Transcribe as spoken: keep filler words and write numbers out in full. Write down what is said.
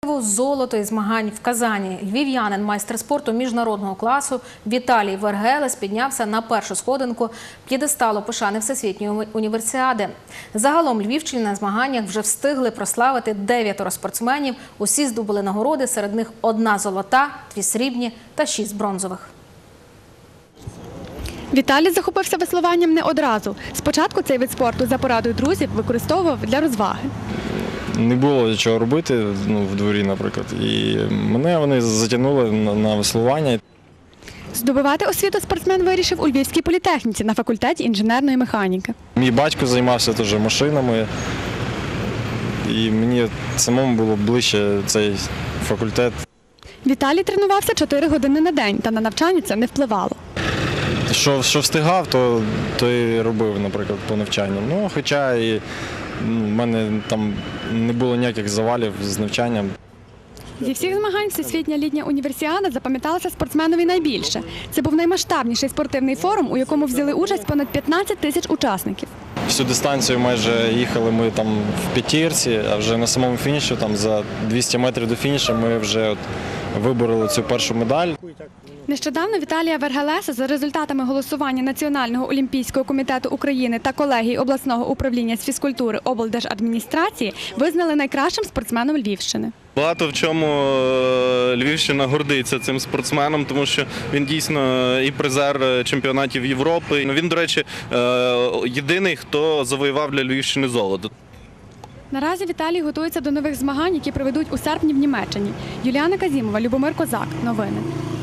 Золото із змагань в Казані. Львів'янин, майстер спорту міжнародного класу Віталій Вергелес піднявся на першу сходинку п'єдесталу пошани Всесвітньої універсіади. Загалом львівщині на змаганнях вже встигли прославити дев'ятеро спортсменів. Усі здобули нагороди, серед них одна золота, дві срібні та шість бронзових. Віталій захопився веслуванням не одразу. Спочатку цей вид спорту за порадою друзів використовував для розваги. Не було чого робити, ну, в дворі, наприклад, і мене вони затягнули на, на веслування. Здобувати освіту спортсмен вирішив у Львівській політехніці на факультеті інженерної механіки. Мій батько займався теж машинами, і мені самому було ближче цей факультет. Віталій тренувався чотири години на день, та на навчання це не впливало. Що, що встигав, то, то і робив, наприклад, по навчанню. Ну, хоча і в мене там не було ніяких завалів з навчанням. Зі всіх змагань Всесвітня літня універсіада запам'яталася спортсменові найбільше. Це був наймасштабніший спортивний форум, у якому взяли участь понад п'ятнадцять тисяч учасників. Всю дистанцію майже їхали ми там в п'ятірці, а вже на самому фінішу, там за двісті метрів до фінішу, ми вже от вибороли цю першу медаль. Нещодавно Віталія Вергелеса за результатами голосування Національного олімпійського комітету України та колегії обласного управління з фізкультури облдержадміністрації визнали найкращим спортсменом Львівщини. Багато в чому Львівщина гордиться цим спортсменом, тому що він дійсно і призер чемпіонатів Європи. Він, до речі, єдиний, хто завоював для Львівщини золото. Наразі Віталій готується до нових змагань, які проведуть у серпні в Німеччині. Юліана Казімова, Любомир Козак. Новини.